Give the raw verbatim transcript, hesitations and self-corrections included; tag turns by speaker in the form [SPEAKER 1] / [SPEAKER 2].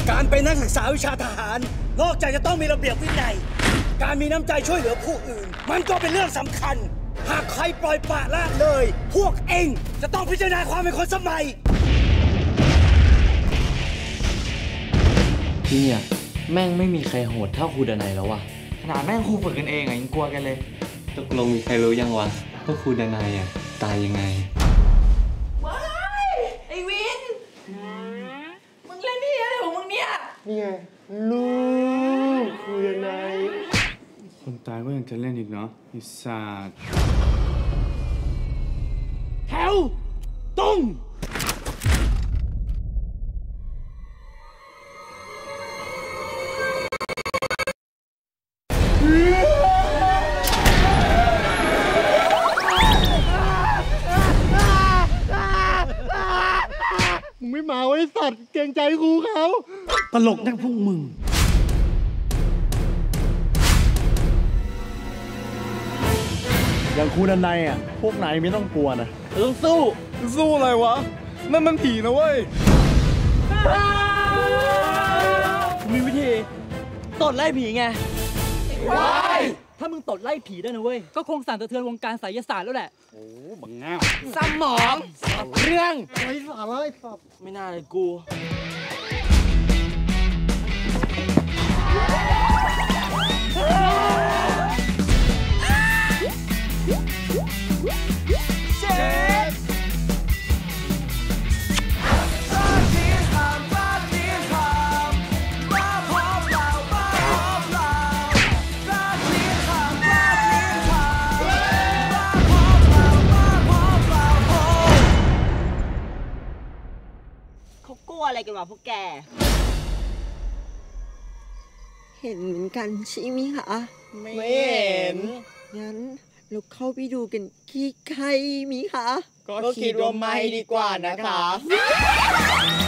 [SPEAKER 1] การเป็นนักศึกษาวิชาทหารนอกจากจะต้องมีระเบียบวินัยการมีน้ำใจช่วยเหลือผู้อื่นมันก็เป็นเรื่องสำคัญหากใครปล่อยปละละเลยพวกเองจะต้องพิจารณาความเป็นคนสมัย
[SPEAKER 2] ที่เนี่ยแม่งไม่มีใครโหดเท่าครูดนัยแล้ววะ
[SPEAKER 3] ขนาดแม่งครูฝึกกันเองอ่ะยังกลัวกันเลย
[SPEAKER 2] ตกลงมีใครรู้ยังวะว่าครูดนัยอ่ะตายยังไง
[SPEAKER 4] ว้ายไอวินมึงเล่นนี่อะไรของมึงเนี่ย
[SPEAKER 5] นี่ไงลูกครูดนัย
[SPEAKER 6] คนตายก็ยังจะเล่นอีกเนาะไอ้สัตว์
[SPEAKER 1] แถวตรง
[SPEAKER 5] มึงไม่มาไว้สัตว์เกรงใจครูเขา
[SPEAKER 1] ตลกนักพวกมึง
[SPEAKER 5] อย่างครูดนัยอ่ะพวกนายไม่ต้องกลัวนะ
[SPEAKER 1] ต้องสู้
[SPEAKER 5] สู้อะไรวะนั่นมันผีนะเว้ย
[SPEAKER 1] มีวิธีตดไล่ผีไงว้ายถ้ามึงตดไล่ผีได้นะเว้ยก็คงสั่นสะเทือนวงการไสยศาสตร์แล้วแหละโอ้บังเงาสมองเรื่อง
[SPEAKER 5] ไร้สาระไอ้สัตว์
[SPEAKER 1] ไม่น่าเลยกู
[SPEAKER 4] เขากลัวอะไรกันวะพวกแกเห็นเหมือนกันใช่ไหมคะ
[SPEAKER 1] ไม่เห็น
[SPEAKER 4] งั้นเราเข้าไปดูกันที่ใครมีคะ
[SPEAKER 1] ก็คิดว่าไม่ดีกว่านะคะ